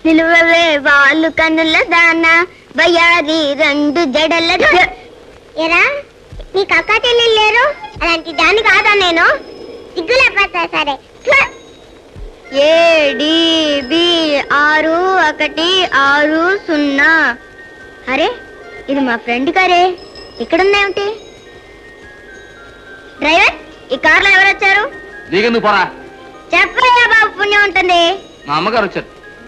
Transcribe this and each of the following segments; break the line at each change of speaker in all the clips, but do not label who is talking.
నిలువవే వాళ్ళు కన్నుల దాన బయారి రెండు జడల ఎరా నీకు అక్క చెల్లెలు లేరు అలాంటి దాన్ని కాదా నేను సిగ్గులేకపోతా సరే ఏడిబి 6160 అరే ఇది మా ఫ్రెండ్ కారే ఇక్కడున్నాయేమిటి డ్రైవర్ ఈ కార్లో ఎవరు వచ్చారు
నీకెందుకు పోరా
చెప్పయ్యా బాబు పుణ్యం ఉంటుంది
మా అమ్మగారు వచ్చారు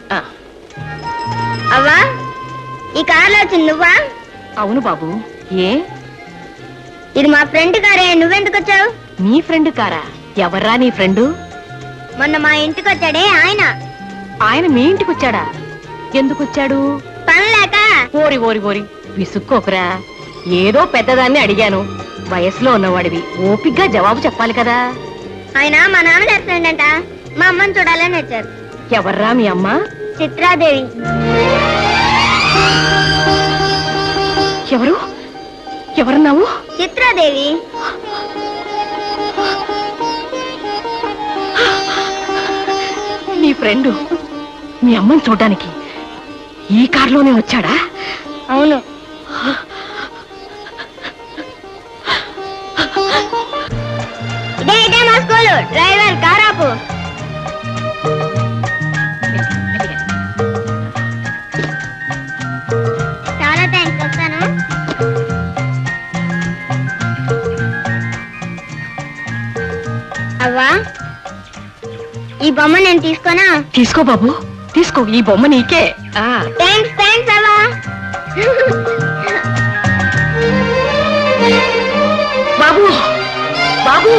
అవ్వా ఈ కార్లో వచ్చింది నువ్వా
అవును బాబు ఏ
ఇది మా ఫ్రెండ్ కారే నువ్వెందుకు వచ్చావు
నీ ఫ్రెండ్ కారా ఎవర్రా నీ ఫ్రెండు
మొన్న మా ఇంటికి వచ్చాడే ఆయన
ఆయన మీ ఇంటికి వచ్చాడా ఎందుకు వచ్చాడు
పని లేక
ఓరి ఓరి ఓరి విసుక్కోకురా ఏదో పెద్దదాన్ని అడిగాను వయసులో ఉన్నవాడివి ఓపిగ్గా జవాబు చెప్పాలి కదా
ఆయన మా నాన్నగారి ఫ్రెండ్ అంట మా అమ్మని చూడాలని వచ్చారు
ఎవర్రా మీ అమ్మ
చిత్రాదేవి
ఎవరు ఎవరన్నావు
చిత్రాదేవి
నీ ఫ్రెండు మీ అమ్మని చూడ్డానికి ఈ కారులోనే వచ్చాడా
అవును ఇదే మా స్కూలు డ్రైవర్ కారాపు చాలా థ్యాంక్స్ వస్తాను అవ్వా ఈ బొమ్మ నేను తీసుకోనా
తీసుకో బాబు తీసుకో ఈ బొమ్మ నీకే
థ్యాంక్స్ థ్యాంక్స్ అవ్వా
బాబు బాబు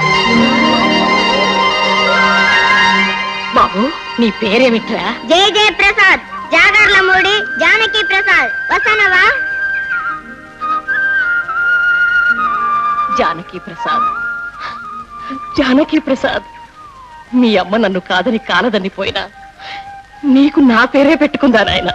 బాబు నీ పేరేమిట్రా
జై జై ప్రసాద్ జాగర్లమూడి జానకి ప్రసాద్ వస్తానవా
జానకి ప్రసాద్ జానకి ప్రసాద్ మీ అమ్మ నన్ను కాదని కాలదని పోయినా నీకు నా పేరే పెట్టుకుందా నాయన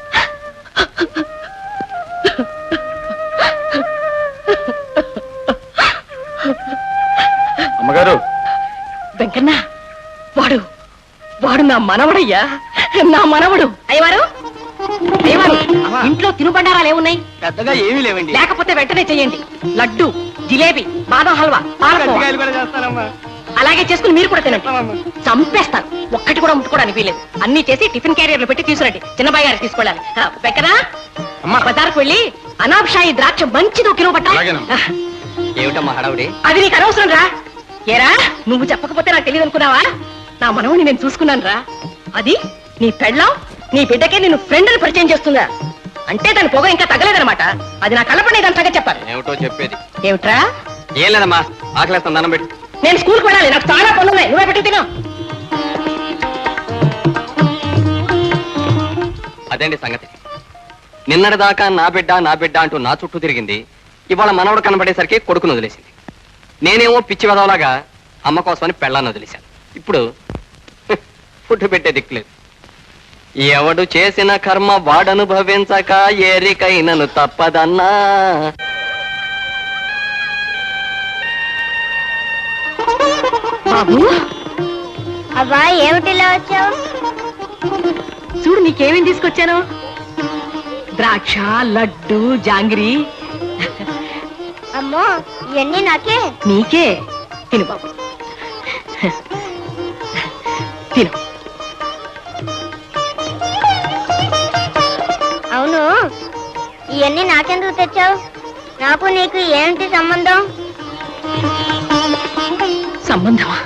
అమ్మగారు
వెంకన్న వాడు వాడు నా మనవడయ్యా నా మనవడు అయ్యవారు అయ్యవారు ఇంట్లో తినుబండారాలు ఏమున్నాయి
పెద్దగా ఏమీ లేవండి
లేకపోతే వెంటనే చెయ్యండి లడ్డు జిలేబీ బాదం హల్వా పాలకోవా అలాగే చేసుకుని మీరు కూడా తినండి చంపేస్తాను ఒక్కటి కూడా ముట్టుకోవడానికి వీలేదు అన్ని చేసి టిఫిన్ క్యారియర్లు పెట్టి తీసుకురండి చిన్నబాయి గారికి తీసుకెళ్ళాలి వెంకనా బజార్కు వెళ్ళి అనాబ్షాయి ద్రాక్ష మంచిది 1 కిలో పట్టాలి
ఏమిటమ్మా హడావుడి
అది నీకు అనవసరం రా ఏరా నువ్వు చెప్పకపోతే నాకు తెలియదు అనుకున్నావా నా మనవుని నేను చూసుకున్నాను రా అది నీ పెళ్ళం నీ బిడ్డకే నేను ఫ్రెండ్ అని పరిచయం చేస్తుందా అంటే దాని పొగ ఇంకా తగ్గలేదనమాట అది నా కళ్ళపడి దాని సంగతి చెప్పాలి
ఏమిటో చెప్పేది
ఏమిట్రా
ఏం లేదమ్మా ఆకలేస్తాను దండం పెట్టి
నేను స్కూల్కి వెళ్ళాలి నాకు చాలా పనులు ఉన్నాయి నువ్వే పెట్టి తిను
అదేంటి సంగతి నిన్నటిదాకా నా బిడ్డ అంటూ నా చుట్టూ తిరిగింది ఇవాళ మనవడు కనబడేసరికి కొడుకును వదిలేసింది నేనేమో పిచ్చి వెదవలాగా అమ్మ కోసమని పెళ్ళాన్ని వదిలేశాను ఇప్పుడు ఫుడ్ పెట్టే దిక్కులేదు ఎవడు చేసిన కర్మ వాడనుభవించక ఏరికైనను తప్పదన్నా
బాబు
అవ్వా ఏమిటిలా వచ్చావు
చూడు నీకేమేం తీసుకొచ్చాను ద్రాక్ష లడ్డు జాంగిరి
అమ్మో ఇవన్నీ నాకే
నీకే తిను బాబు తిను
అవును ఇవన్నీ నాకెందుకు తెచ్చావు నాకు నీకు ఏంటి సంబంధం
సంబంధమా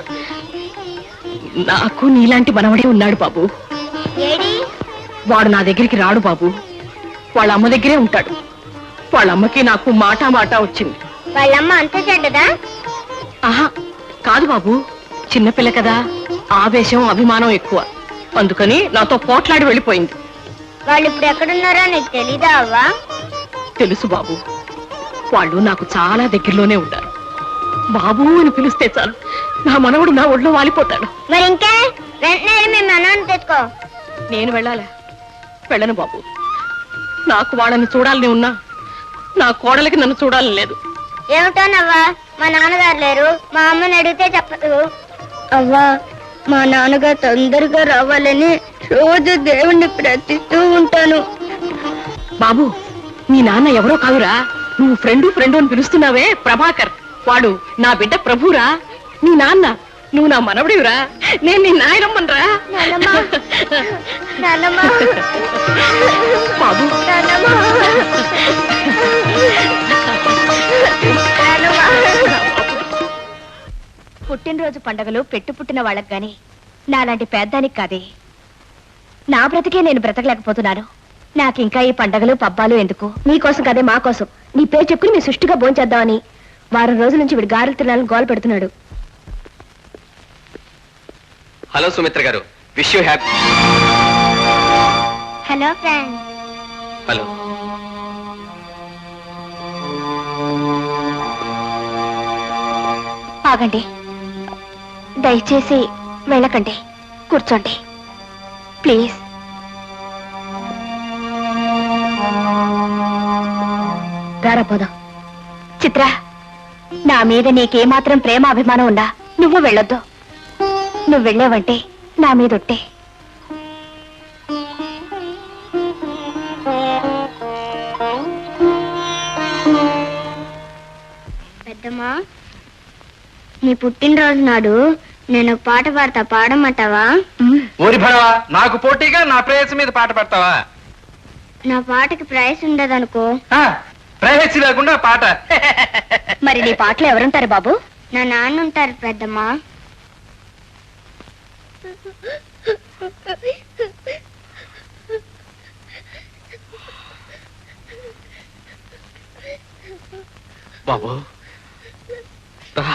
నాకు నీలాంటి మనవడే ఉన్నాడు బాబు
ఏడి
వాడు నా దగ్గరికి రాడు బాబు వాళ్ళ అమ్మ దగ్గరే ఉంటాడు వాళ్ళ అమ్మకి నాకు మాట వచ్చింది
వాళ్ళమ్మ అంత చెడ్డదా
ఆహా కాదు బాబు చిన్నపిల్ల కదా ఆవేశం అభిమానం ఎక్కువ అందుకని నాతో పోట్లాడి వెళ్ళిపోయింది
వాళ్ళు ఇప్పుడు ఎక్కడున్నారో నీకు తెలీదా అవ్వా
తెలుసు బాబు వాళ్ళు నాకు చాలా దగ్గరలోనే ఉంటారు బాబు అని పిలిస్తే చాలు నా మనవడు నా ఒళ్ళో వాలిపోతాడు
మరి ఇంకే వెంటనే మీ మనవని తెచ్చుకో
నేను వెళ్ళాలా వెళ్ళను బాబు నాకు వాళ్ళని చూడాలని ఉన్నా నా కోడలికి నన్ను చూడాలని లేదు
ఏమిటోనవ్వా మా నాన్నగారు లేరు మా అమ్మని అడిగితే చెప్పదు అవ్వా మా నాన్నగారు తొందరగా రావాలని రోజు దేవుణ్ణి ప్రార్థిస్తూ ఉంటాను.
బాబు, మీ నాన్న ఎవరో కాదురా, నువ్వు ఫ్రెండు అని పిలుస్తున్నావే ప్రభాకర్, వాడు నా బిడ్డ ప్రభురా. నీ నాన్న, నువ్వు నా మనవడివిరా, నేను నీ నాయనమ్మనరా. బాబు, పుట్టినరోజు పండగలు పుట్టిన వాళ్ళకి గాని నాలాంటి పేద్దానికి కాదే. నా బ్రతికే నేను బ్రతకలేకపోతున్నాను. నాకింకా ఈ పండగలు పబ్బాలు ఎందుకు? నీకోసం కదే, మా కోసం. నీ పేరు చెప్పుకుని మీ సుష్టిగా భోంచేద్దామని వారం రోజుల నుంచి వీడు గారెలు తినాలని గోల పెడుతున్నాడు.
Hello Sumitra garu, wish you happy.
Hello friend.
Hello.
ఆగండి, దయచేసి వెళ్ళకండి, కూర్చోండి ప్లీజ్. రారపోదాం. చిత్ర, నా మీద నీకేమాత్రం ప్రేమ అభిమానం ఉందా? నువ్వు వెళ్ళొద్దు. నువ్వు వెళ్ళావంటే నా మీద ఒట్టే. పెద్దమ్మా, నీ పుట్టినరోజు నాడు నేను ఒక పాట పాడతా, పాడమంటావా?
ఊరి భడవా, నాకు పోటీగా నా ప్రేయస్ మీద పాట పాడతావా?
నా పాటకి ప్రైస్ ఉండదనుకో.
ప్రైవసీ లేకుండా పాట.
మరి నీ పాటలో ఎవరుంటారు బాబు? నా నాన్న ఉంటారు పెద్దమ్మా.
బాబు రా.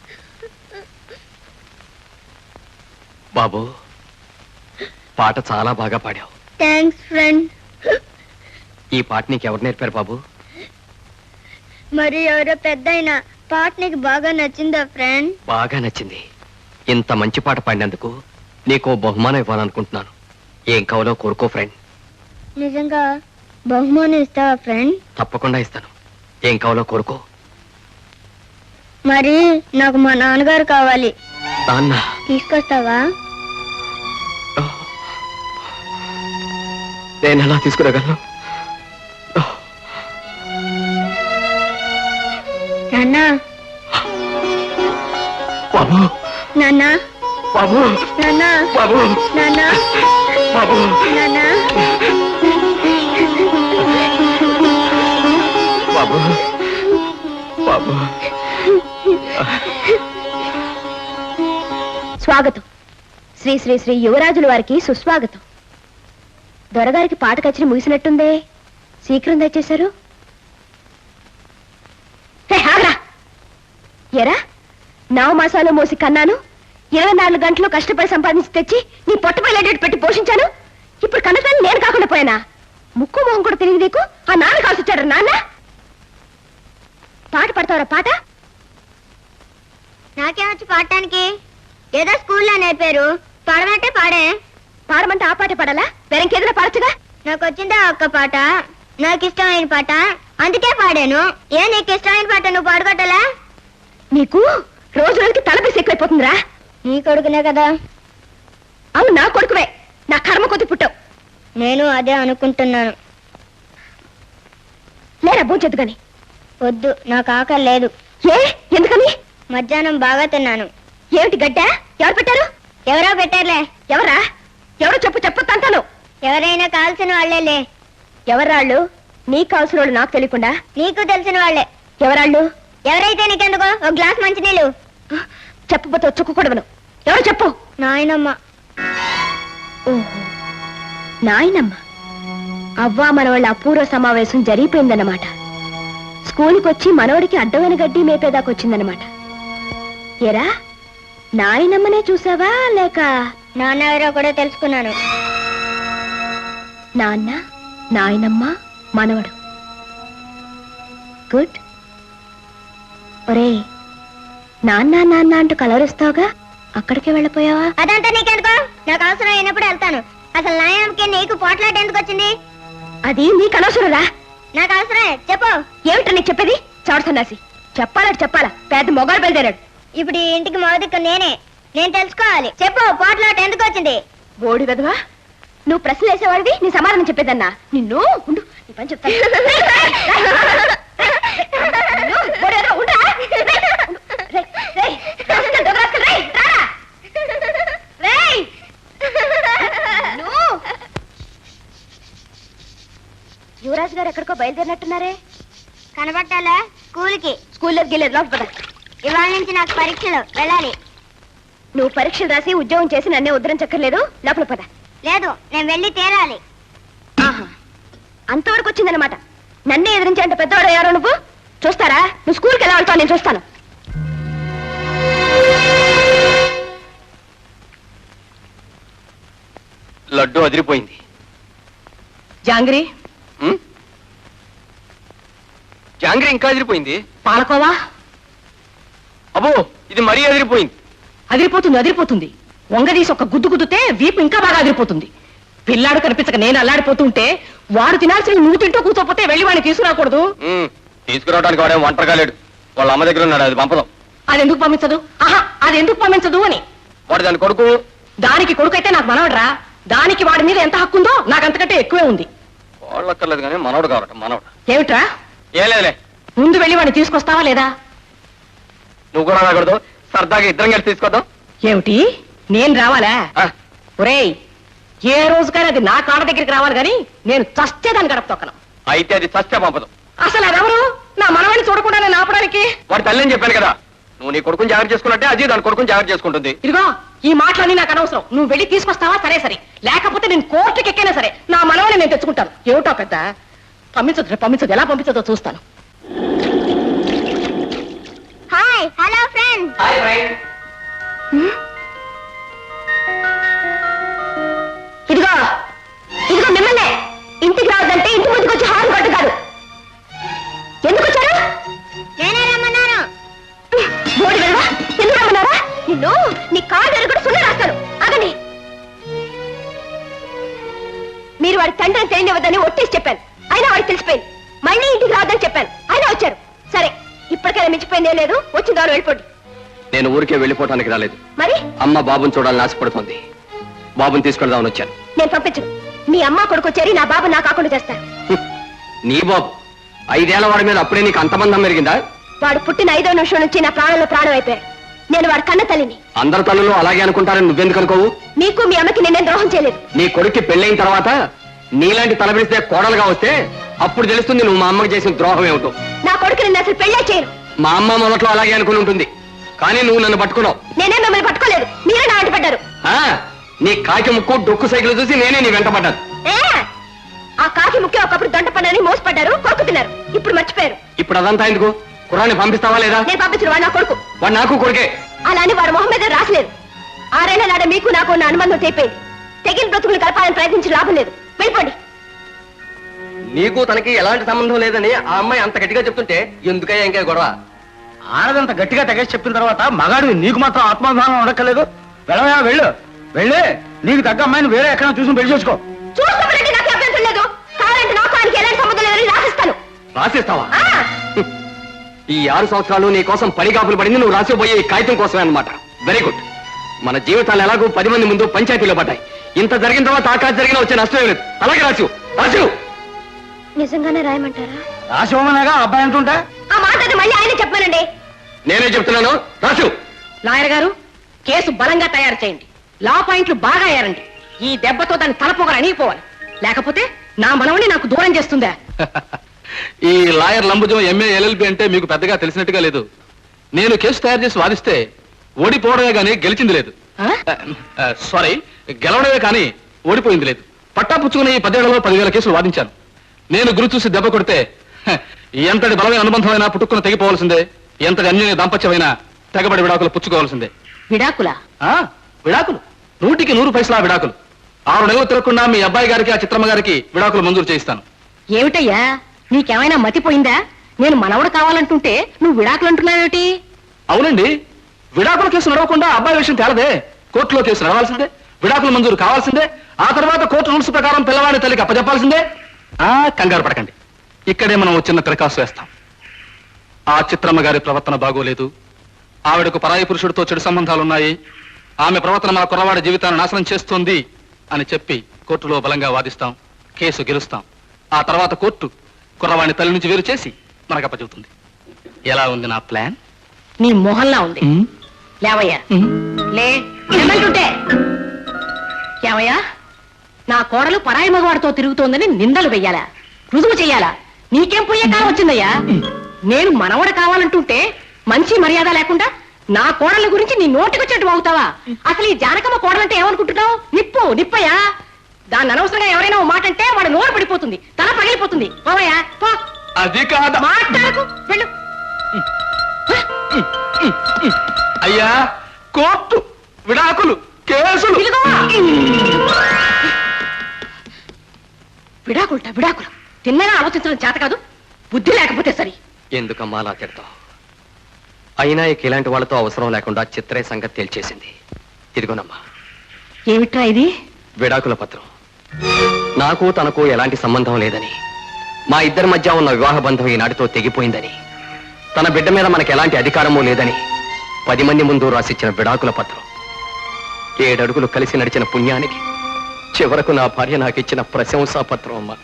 బాబు, పాట చాలా బాగా పాడావు.
Thanks friend.
ఈ పాట నీకు ఎవరు నేర్పారు బాబు?
మరి ఎవరో పెద్దయినా పాట నీకు బాగా నచ్చిందా ఫ్రెండ్?
బాగా నచ్చింది. ఇంత మంచి పాట పాడినందుకు నీకు బహుమానం ఇవ్వాలనుకుంటున్నాను. ఏం కావాలో కోరుకో ఫ్రెండ్.
నిజంగా బహుమానం ఇస్తావా ఫ్రెండ్?
తప్పకుండా ఇస్తాను. ఏం కావాలో కోరుకో.
మరి నాకు మా నాన్నగారు కావాలి.
నాన్న
తీసుకొస్తావా?
నేను ఎలా తీసుకురాగలను?
నాన్న,
బాబు,
నాన్న,
బాబు,
నాన్న,
బాబు,
నాన్న,
బాబు,
నాన్న.
బాబు, బాబు.
స్వాగతం. శ్రీ శ్రీ శ్రీ యువరాజుల వారికి సుస్వాగతం. దొరగారికి పాట కచ్చి ముగిసినట్టుందే, శీఘ్రం తెచ్చేశారు. ఎరా, 9 మాసాలు మోసి కన్నాను, 24 గంటలు కష్టపడి సంపాదించి తెచ్చి నీ పొట్టపైలేటట్టు పెట్టి పోషించాను. ఇప్పుడు కన్నతాన్ని నేను కాకుండా పోయానా? ముక్కు మొహం కూడా తెలియదు నీకు. ఆ నాన్న కాల్సి వచ్చాడు. నాన్న, పాట పడతావరా? పాట నాకేమొచ్చి పాడటానికి? ఏదో స్కూల్లో నేర్పారు, పాడమంటే పాడే. పాడమంటే ఆ పాట పాడాలా? వేరేకేదైనా పాడచ్చుగా. నాకు వచ్చిందా ఒక్క పాట, నాకు ఇష్టమైన పాట, అందుకే పాడాను. ఏ నీకు ఇష్టమైన పాట నువ్వు పాడుకోవటలా? నీకు రోజు రోజుకి తలపేసి ఎక్కువైపోతుందిరా. నీ కొడుకునే కదా. అవును, నా కొడుకువే. నా కర్మ కొద్ది పుట్టావు. నేను అదే అనుకుంటున్నాను. లేరా భోంచొద్దు గాని. వద్దు, నాకు ఆకలి లేదు. ఏ, ఎందుకని? మధ్యాహ్నం బాగా తిన్నాను. ఏమిటి గడ్డ? ఎవరు పెట్టారు? ఎవరో పెట్టారులే. ఎవరా? ఎవరో చెప్పు, చెప్పొద్దంటాను. ఎవరైనా కాల్సిన వాళ్ళేలే. ఎవరాళ్ళు? నీకు కావాల్సిన వాళ్ళు నాకు తెలియకుండా? నీకు తెలిసిన వాళ్ళే. ఎవరాళ్ళు? ఎవరైతే నీకెందుకో, ఒక గ్లాస్ మంచినీళ్ళు. చెప్పబోతే చుక్కకూడవను. ఎవరు చెప్పు? నాయనమ్మ. ఓహో, నాయనమ్మ. అవ్వా మనవాళ్ళ అపూర్వ సమావేశం జరిగిపోయిందన్నమాట. స్కూల్కి వచ్చి మనవడికి అడ్డమైన గడ్డి మేపేదాకొచ్చిందన్నమాట. ఎరా, నాయనమ్మనే చూసావా లేక నాన్న ఎవరో కూడా తెలుసుకున్నాను. నాన్న, నాయనమ్మ, మనవడు. గుడ్. ఒరే, నాన్న నాన్న అంటూ కలవరిస్తావుగా, అక్కడికే వెళ్ళిపోయావా? అదంతా నీకెందుకో, నాకు అవసరం అయినప్పుడు వెళ్తాను. అసలు నాయనమ్మకి నీకు పోట్లాట ఎందుకు వచ్చింది? అది నీకు అనవసరంరా. నాకు అవసరమే. చెప్పు. ఏమిటో నీకు చెప్పేది? చవడ సన్నాసి. చెప్పాలంటే చెప్పాలా? పెద్ద మొగాడు బయలుదేరాడు. ఇప్పుడు ఈ ఇంటికి మొదటికి నేనే. నేను తెలుసుకోవాలి. చెప్పు, పోట్లాట ఎందుకు వచ్చింది?
బోడి వెదవా, నువ్వు ప్రశ్నలు వేసేవాడివి, నీ సమాధానం చెప్పేదన్నా. నిన్ను ఉండు, నీ పని చెప్తాను. నిన్ను, బోడి వెధవ, ఉండురా. రేయ్, రేయ్, రాస్కల్, దొంగ రాస్కల్, రేయ్, రారా. రేయ్, నిన్ను. యువరాజు గారు ఎక్కడికో బయలుదేరినట్టున్నారే.
కనబట్టాలా? స్కూల్కి.
స్కూల్లోకి వెళ్ళేది, లోపల పద.
ఇవాళ నుంచి నాకు పరీక్షలు, వెళ్ళాలి.
నువ్వు పరీక్షలు రాసి ఉద్యోగం చేసి నన్నే ఉద్ధరించక్కర్లేదు, లోపల పద.
లేదు, నేను వెళ్ళి తీరాలి.
ఆహా, అంతవరకు వచ్చిందనమాట. నన్నే ఎదిరించేంత పెద్దవాడు ఎవరో నువ్వు. చూస్తారా, నువ్వు స్కూల్కి ఎలా వెళ్తావు, నేను చూస్తాను.
లడ్డు అదిరిపోయింది.
జాంగ్రీ,
జాంగ్రీ ఇంకా అదిరిపోయింది.
పాలకోవా
అబ్బో, ఇది మరీ అదిరిపోయింది.
అదిరిపోతుంది, అదిరిపోతుంది. వంగదీసి ఒక గుద్దు గుద్దుతే వీపు ఇంకా బాగా అదిరిపోతుంది. పిల్లాడు కనిపించక నేను అల్లాడిపోతుంటే వాడు తినాల్సిన నువ్వు తింటూ కూర్చోపోతే వెళ్ళి వాడిని తీసుకురాకూడదు.
తీసుకురావడానికి వాడే ఒంటరిగా లేడు, వాళ్ళ అమ్మ దగ్గర ఉన్నాడు. అది పంపదాం.
అది ఎందుకు పంపించదు? ఆహా, అది ఎందుకు పంపించదు అని.
వాడు దాని కొడుకు.
దానికి కొడుకైతే నాకు మనవడరా. దానికి వాడి మీద ఎంత హక్కు ఉందో నాకు అంతకంటే ఎక్కువే ఉంది.
వాళ్ళక్కర్లేదు కానీ మనవడు కావట, మనవడు.
ఏమిట్రా?
ఏ లేదులే,
ముందు వెళ్ళి వాడిని తీసుకొస్తావా లేదా?
నువ్వు కూడా రాకూడదు, సరదాగా ఇద్దరం కలిసి తీసుకొద్దాం.
ఏమిటి, నేను రావాలా?
ఆ,
ఒరేయ్, ఏ రోజుకైనా అది నా కాళ్ళ దగ్గరికి రావాలి కానీ నేను చచ్చేదాన్ని గడప తొక్కను.
అయితే అది సత్య పంపదాం.
అసలు అదెవరు నా మనవాడిని చూడకుండా నేను ఆపడానికి?
వాడి తల్లి అని చెప్పాను కదా, నువ్వు నీ కొడుకుని జాగ్రత్త చేసుకున్నట్టే అది దాని కొడుకుని జాగ్రత్త చేసుకుంటుంది.
ఇదిగో, ఈ మాటలన్నీ నాకు అనవసరం. నువ్వు వెళ్ళి తీసుకొస్తావా? సరే సరే, లేకపోతే నేను కోర్టుకి ఎక్కైనా సరే నా మనవాడిని నేను తెచ్చుకుంటాను. ఏమిటో పెద్ద పంపించదు, పంపించదు. ఎలా పంపించదో చూస్తాను.
Hi, hello friends.
ఇదిగో, ఇదిగో మిమ్మల్నే. ఇంటికి రావద్దంటే ఇంటి ముందుకు వచ్చి హారం కొట్టు కాదు. ఎందుకు వచ్చారు?
నేనే రమ్మన్నాను.
బోడి వెళ్ళవా? ఎందుకు రమ్మన్నారా? నిన్ను నీ కాళ్ళు ఎరుగుడు సున్న రాస్తాను. అగని మీరు వాడి తండ్రిని తెలియవద్దని ఒట్టేసి చెప్పాను, అయినా వాడికి తెలిసిపోయింది. మళ్ళీ ఇంటికి రావద్దని చెప్పాను, అయినా వచ్చారు. సరే, ఇప్పటికైనా మించిపోయిందే లేదు. వచ్చిన ద్వారా వెళ్ళిపోండి.
నేను ఊరికే వెళ్ళిపోవటానికి రాలేదు.
మరి
అమ్మ బాబుని చూడాలని ఆశపడుతోంది. బాబుని తీసుకెళ్దామని వచ్చాను.
నేను పంపించను. మీ అమ్మ కొడుకు చేరి నా బాబు నా కాకుండా చేస్తారు.
నీ బాబు 5 ఏళ్ల వాడి మీద అప్పుడే నీకు అంతమందం పెరిగిందా?
వాడు పుట్టిన 5వ నిమిషం నుంచి నా ప్రాణంలో ప్రాణం అయిపోయాడు. నేను వాడి కన్న తల్లిని.
అందరి తల్లులు అలాగే అనుకుంటారని నువ్వెందుకు అనుకోవు?
మీకు మీ అమ్మకి నేనేం ద్రోహం చేయలేదు.
నీ కొడుక్కి పెళ్ళైన తర్వాత నీలాంటి తలపిస్తే కోడలుగా వస్తే అప్పుడు తెలుస్తుంది నువ్వు మా అమ్మకి చేసిన ద్రోహం ఏమిటో.
నా కొడుకు నిన్ను అసలు పెళ్ళే చేయను.
మా అమ్మ మొదట్లో అలాగే అనుకుని ఉంటుంది, కానీ నువ్వు నన్ను పట్టుకున్నావు.
నేనే మిమ్మల్ని పట్టుకోలేదు, మీరే నా వెంట పడ్డారు.
ఆ, నీ కాకి ముక్కు డొక్కు సైకిల్ చూసి నేనే నీ వెంట పడ్డాను.
ఆ కాకి ముఖ్య ఒకప్పుడు దొండ పడ్డారని మోసపడ్డారు, కొడుకు తిన్నారు. ఇప్పుడు మర్చిపోయారు.
ఇప్పుడు అదంతా ఎందుకు? కుర్రాన్ని పంపిస్తావా లేదా?
నేను పంపించిన వాడు నా కొడుకు.
వాడు నాకు కొడుకే.
అలా అని వాడు మొహం మీద రాసలేదు. 6 ఏళ్ల నాడ మీకు నాకు ఉన్న అనుబంధం తెగిపోయింది. తెగిన బ్రతుకులు కలపాలని ప్రయత్నించి లాభం లేదు. వెళ్ళిపోండి.
నీకు తనకి ఎలాంటి సంబంధం లేదని ఆ అమ్మాయి అంత గట్టిగా చెప్తుంటే ఎందుకయ్యా ఇంకా గొడవ?
ఆడదంత గట్టిగా తెగేసి చెప్పిన తర్వాత మగాడు నీకు మాత్రం ఆత్మాభిమానం ఉండక్కర్లేదు. వెళ్ళవయా, వెళ్ళు. వెళ్ళి నీకు తగ్గ అమ్మాయిని వేరే ఎక్కడ చూసి పెళ్లి చేసుకో.
చూస్తామంటే నాకు అభ్యంతరం లేదు. కావాలంటే నాకు ఆయనకి ఎలాంటి సంబంధం లేదని రాసిస్తాను.
రాసిస్తావా? ఈ 6 సంవత్సరాలు నీ కోసం పడిగాపులు పడింది నువ్వు రాసిపోయే ఈ కాగితం కోసమే అన్నమాట. Very good. మన జీవితాలు ఎలాగో 10 మంది ముందు పంచాయతీలో పడ్డాయి. ఇంత జరిగిన తర్వాత ఆకాశ జరిగిన వచ్చే నష్టం లేదు. అలాగే రాసు.
నిజంగానే రాయమంటారా?
రాసివమనగా అబ్బాయి అంటుంటా.
ఆ మాట అది మళ్ళీ ఆయన చెప్పానండి.
నేనే చెప్తున్నాను, రాసు.
లాయర్ గారు, కేసు బలంగా తయారు చేయండి. లా పాయింట్లు బాగా ఏరండి. ఈ దెబ్బతో దాన్ని తలపోగలు అణిగిపోవాలి. లేకపోతే నా మనవని నాకు దూరం చేస్తుందా?
ఈ లాయర్ లంబుజం ఎంఏ ఎల్ఎల్బి అంటే మీకు పెద్దగా తెలిసినట్టుగా లేదు. నేను కేసు తయారు చేసి వాదిస్తే ఓడిపోవడమే కానీ గెలిచింది లేదు. సారీ, గెలవడమే కానీ ఓడిపోయింది లేదు. పట్టా పుచ్చుకుని 10 ఏళ్లలో 10,000 కేసులు వాదించాను. నేను గురి చూసి దెబ్బ కొడితే ఎంతటి బలమైన అనుబంధమైనా పుట్టుకుని తెగిపోవాల్సిందే. ఎంతటి అన్యోన్య దాంపత్యమైనా తెగబడి విడాకులు పుచ్చుకోవాల్సిందే.
విడాకులా?
విడాకులు 100కి 100 పైసలా విడాకులు. 6 నెలలు తిరగకుండా మీ అబ్బాయి గారికి ఆ చిత్రమ్మ గారికి విడాకులు మంజూరు చేయిస్తాను.
ఏమిటయ్యా, నీకేమైనా మతిపోయిందా? నేను మనవడు కావాలంటుంటే నువ్వు విడాకులు అంటున్నావేమిటి?
అవునండి, విడాకుల కేసు నడవకుండా అబ్బాయి విషయం తేలదే. కోర్టులో కేసు నడవాల్సిందే, విడాకులు మంజూరు కావాల్సిందే. ఆ తర్వాత కోర్టు రూల్స్ ప్రకారం పిల్లవాడి తల్లికి అప్పచెప్పాల్సిందే. కంగారు పడకండి, ఇక్కడే మనం చిన్న తిరకాసు వేస్తాం. ఆ చిత్రమ్మ గారి ప్రవర్తన బాగోలేదు. ఆవిడకు పరాయి పురుషుడితో చెడు సంబంధాలున్నాయి. ఆమె ప్రవర్తన మా కుర్రవాడి జీవితాన్ని నాశనం చేస్తుంది అని చెప్పి కోర్టులో బలంగా వాదిస్తాం, కేసు గెలుస్తాం. ఆ తర్వాత కోర్టు కుర్రవాడిని తల్లి నుంచి వేరు చేసి మనకు అప్పచెబుతుంది. ఎలా ఉంది నా ప్లాన్?
నీ మొహల్లా ఉంది. లేవయ్యా, లే ఏమంటుంటే. ఏమయ్యా, నా కోడలు పరాయి మగవాడితో తిరుగుతోందని నిందలు వెయ్యాలా, రుజువు చెయ్యాలా? నీకేం పోయే కాలం వచ్చిందయ్యా? నేను మనవడు కావాలంటుంటే మంచి మర్యాద లేకుండా నా కోడల గురించి నీ నోటికొచ్చేట్టు అవుతావా? అసలు ఈ జానకమ్మ కోడలంటే ఏమనుకుంటున్నావు? నిప్పు నిప్పయ్యా. దాన్ని అనవసరంగా ఎవరైనా ఓ మాట అంటే వాడు నోరు పడిపోతుంది, తల పగిలిపోతుంది. పోవయ్యా, పో.
అది కాదు
మాట్లాడకు, వెళ్ళు.
అయ్యా, కోర్టు, విడాకులు, కేసులు.
ఇదిగోవా. విడాకులుట విడాకులు. తిన్నగా ఆలోచించడం చేత కాదు, బుద్ధి లేకపోతే సరి.
ఎందుకమ్మా అలా తిడతావు? అయినా ఇక ఇలాంటి వాళ్ళతో అవసరం లేకుండా చిత్రే సంగతి తేల్చేసింది. ఇదిగోనమ్మా
ఏమిట్రా ఇది?
విడాకుల పత్రం. నాకు తనకు ఎలాంటి సంబంధం లేదని, మా ఇద్దరి మధ్య ఉన్న వివాహ బంధం ఈనాటితో తెగిపోయిందని, తన బిడ్డ మీద మనకు ఎలాంటి అధికారమూ లేదని 10 మంది ముందు రాసిచ్చిన విడాకుల పత్రం. 7 అడుగులు కలిసి నడిచిన పుణ్యానికి చివరకు నా భార్య నాకిచ్చిన ప్రశంసా పత్రం అమ్మా.